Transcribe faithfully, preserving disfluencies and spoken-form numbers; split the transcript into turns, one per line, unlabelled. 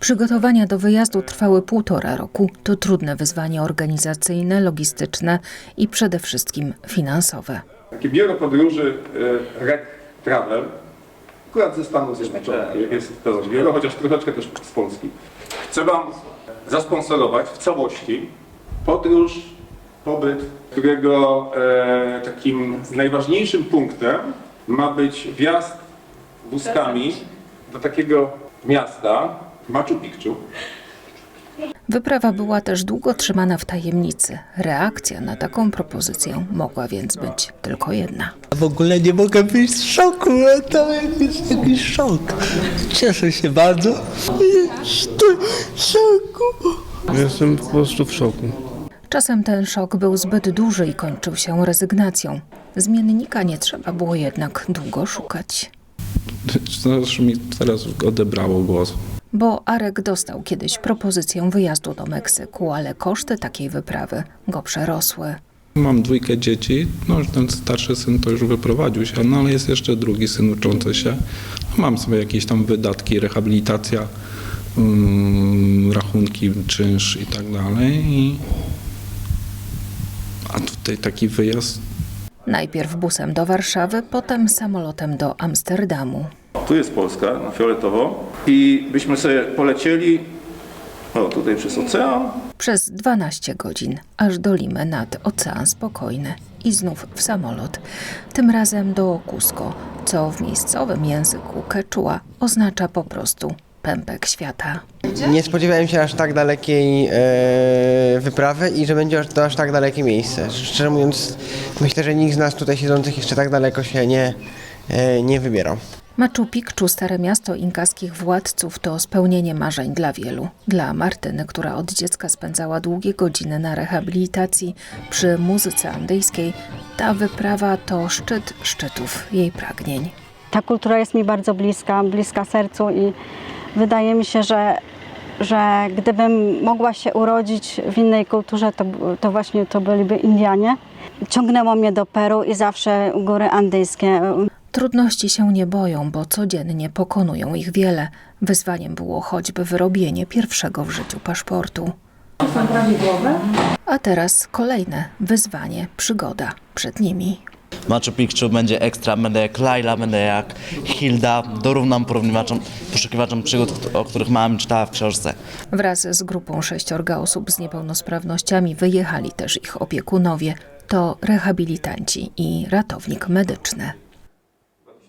Przygotowania do wyjazdu trwały półtora roku. To trudne wyzwanie organizacyjne, logistyczne i przede wszystkim finansowe.
Takie biuro podróży Rec Travel, akurat ze Stanów Zjednoczonych jest to biuro, chociaż troszeczkę też z Polski. Chcę Wam zasponsorować w całości podróż, pobyt, którego e, takim najważniejszym punktem ma być wjazd wózkami do takiego miasta Machu Picchu.
Wyprawa była też długo trzymana w tajemnicy. Reakcja na taką propozycję mogła więc być tylko jedna.
W ogóle nie mogę być w szoku, to jest jakiś szok. Cieszę się bardzo. Jestem w szoku.
Jestem po prostu w szoku.
Czasem ten szok był zbyt duży i kończył się rezygnacją. Zmiennika nie trzeba było jednak długo szukać.
Aż mi teraz odebrało głos.
Bo Arek dostał kiedyś propozycję wyjazdu do Meksyku, ale koszty takiej wyprawy go przerosły.
Mam dwójkę dzieci, no ten starszy syn to już wyprowadził się, no ale jest jeszcze drugi syn uczący się. Mam sobie jakieś tam wydatki, rehabilitacja, um, rachunki, czynsz i tak dalej. I... A tutaj taki wyjazd.
Najpierw busem do Warszawy, potem samolotem do Amsterdamu.
Tu jest Polska, na fioletowo, i byśmy sobie polecieli, o tutaj przez ocean.
Przez dwanaście godzin, aż do Limy nad Ocean Spokojny i znów w samolot. Tym razem do Cusco, co w miejscowym języku quechua oznacza po prostu pępek świata.
Nie spodziewałem się aż tak dalekiej e, wyprawy i że będzie to aż tak dalekie miejsce. Szczerze mówiąc, myślę, że nikt z nas tutaj siedzących jeszcze tak daleko się nie, e, nie wybierał.
Machu Picchu, stare miasto inkaskich władców, to spełnienie marzeń dla wielu. Dla Martyny, która od dziecka spędzała długie godziny na rehabilitacji przy muzyce andyjskiej, ta wyprawa to szczyt szczytów jej pragnień.
Ta kultura jest mi bardzo bliska, bliska sercu i wydaje mi się, że, że gdybym mogła się urodzić w innej kulturze, to, to właśnie to byliby Indianie. Ciągnęło mnie do Peru i zawsze góry andyjskie.
Trudności się nie boją, bo codziennie pokonują ich wiele. Wyzwaniem było choćby wyrobienie pierwszego w życiu paszportu. A teraz kolejne wyzwanie, przygoda przed nimi.
Machu Picchu będzie ekstra, będę jak Laila, będę jak Hilda, dorównam porównywaczom, poszukiwaczom przygód, o których mama czytała w książce.
Wraz z grupą sześciorga osób z niepełnosprawnościami wyjechali też ich opiekunowie. To rehabilitanci i ratownik medyczny.